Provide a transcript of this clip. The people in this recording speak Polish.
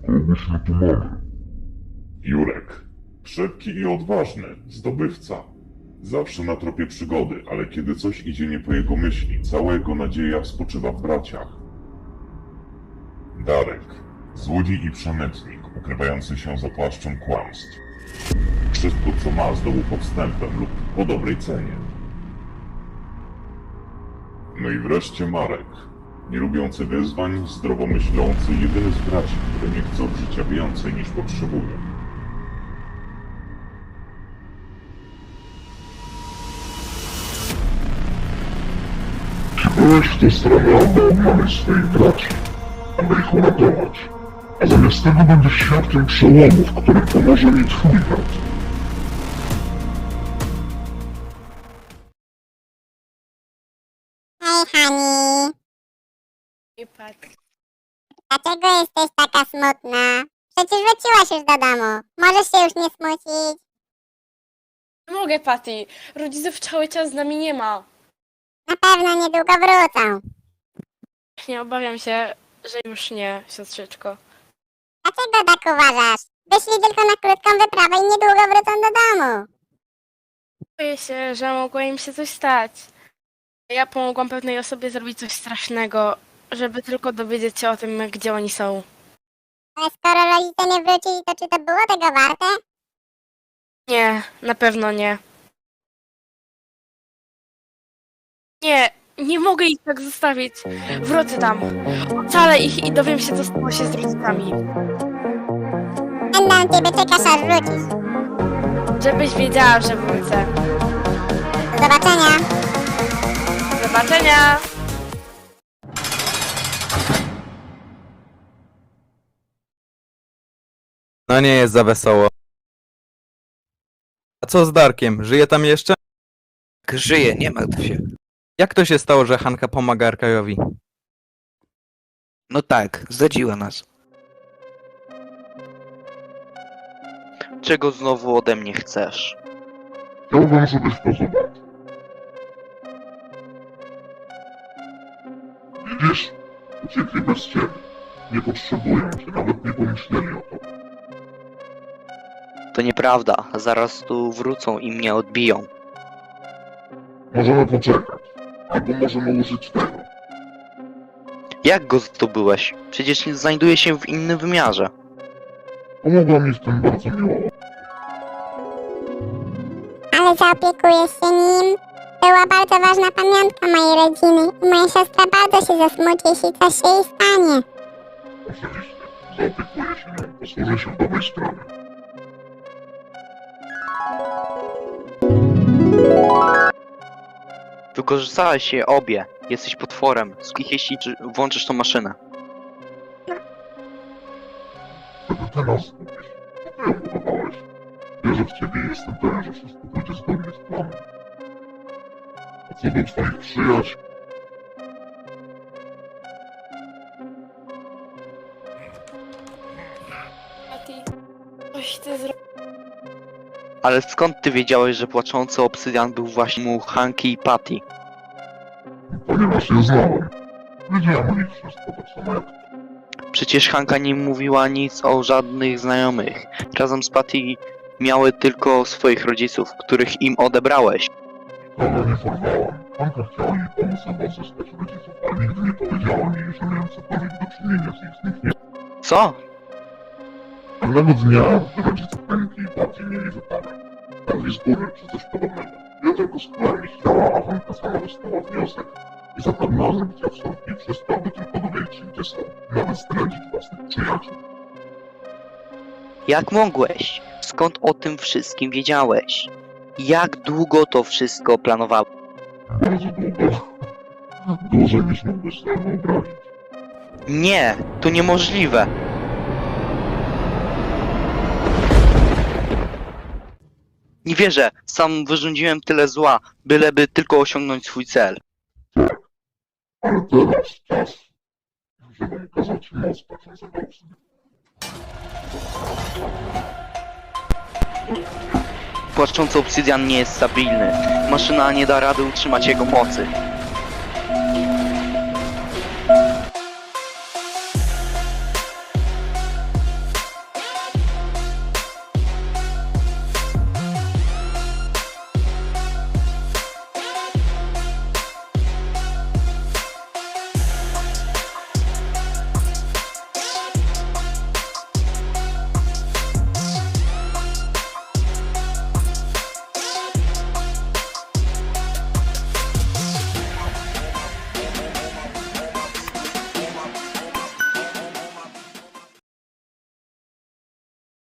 Kogoś my tu mamy. Jurek. Szybki i odważny, zdobywca. Zawsze na tropie przygody, ale kiedy coś idzie nie po jego myśli, cała jego nadzieja spoczywa w braciach. Darek. Złodziej i przemytnik, ukrywający się za płaszczem kłamstw. Wszystko, co ma, zdobył podstępem lub po dobrej cenie. No i wreszcie Marek. Nie lubiący wyzwań, zdrowo myślący, jedyny z braci, który nie chce od życia więcej niż potrzebuje. Byłeś w tę stronę, aby odnaleźć swoich braci, aby ich uratować. A zamiast tego będziesz świadkiem przełomu, w którym pomoże mi twój brat. Hej, Hani. I Pat. Dlaczego jesteś taka smutna? Przecież wróciłaś już do domu. Możesz się już nie smucić. Nie mogę, Patty. Rodziców cały czas z nami nie ma. Na pewno niedługo wrócą. Nie obawiam się, że już nie, siostrzyczko. Dlaczego tak uważasz? Wyszli tylko na krótką wyprawę i niedługo wrócą do domu. Boję się, że mogło im się coś stać. Ja pomogłam pewnej osobie zrobić coś strasznego, żeby tylko dowiedzieć się o tym, gdzie oni są. Ale skoro rodzice nie wrócili, to czy to było tego warte? Nie, na pewno nie. Nie, nie mogę ich tak zostawić. Wrócę tam. Ocalę ich i dowiem się, co stało się z rodzicami. Będę na ciebie czekać, aż wrócisz. Żebyś wiedziała, że wrócę. Do zobaczenia. Do zobaczenia! No nie jest za wesoło. A co z Darkiem? Żyje tam jeszcze? Żyje, nie martw się. Jak to się stało, że Hanka pomaga Arkajowi? No tak, zdradziła nas. Czego znowu ode mnie chcesz? Chciałbym, żebyś to zobaczył. Widzisz? Uciekli bez ciebie. Nie potrzebują cię, nawet nie pomyśleli o tobie. To nieprawda, zaraz tu wrócą i mnie odbiją. Możemy poczekać. Albo możemy użyć tego. Jak go zdobyłeś? Przecież nie znajduje się w innym wymiarze. Pomogła mi w tym bardzo miło. Ale zaopiekujesz się nim? Była bardzo ważna pamiątka mojej rodziny i moja siostra bardzo się zasmuci, jeśli coś się jej stanie. Oczywiście. Zaopiekuję się nią. Posłużę się dobrej stronie. Wykorzystałeś je obie. Jesteś potworem. Jeśli włączysz tą maszynę. Wtedy ty nas zgubisz. To ty ją budowałeś. Wierzę w ciebie i jestem pewien, że wszystko pójdzie zgodnie z planem. A co do twoich przyjaciół, Patty, coś ty zrobił. Ale skąd ty wiedziałeś, że płaczący obsydian był właśnie mu Hanki i Patty? ponieważ je znałem. Wiedziałem o nich wszystko, tak samo jak ty. Przecież Hanka nie mówiła nic o żadnych znajomych. Razem z Patty miały tylko swoich rodziców, których im odebrałeś. Kogo nie porwałam. Anka chciała jej pomóc odzyskać rodziców, ale nigdy nie powiedziała mi, że miałem cokolwiek do czynienia z ich zniknięciem. Co? Pewnego dnia rodzice Henki i Patty mieli wypadek. Padli z góry czy coś podobnego. Ja tylko skłałem ich ciała, a Hanka sama dostała wniosek. I za karnazem chciał wstąpić przez to, by tylko dowiedzieć się, gdzie są. Nawet zdradzić własnych przyjaciół. Jak mogłeś? Skąd o tym wszystkim wiedziałeś? Jak długo to wszystko planowałeś? Bardzo długo. Dłużej niż mógłbyś sobie wyobrazić. Nie, to niemożliwe. Nie wierzę, sam wyrządziłem tyle zła, byleby tylko osiągnąć swój cel. Ale teraz czas, żeby ukazać moc patrzącego obsydianu. Płaczący obsydian nie jest stabilny. Maszyna nie da rady utrzymać jego mocy.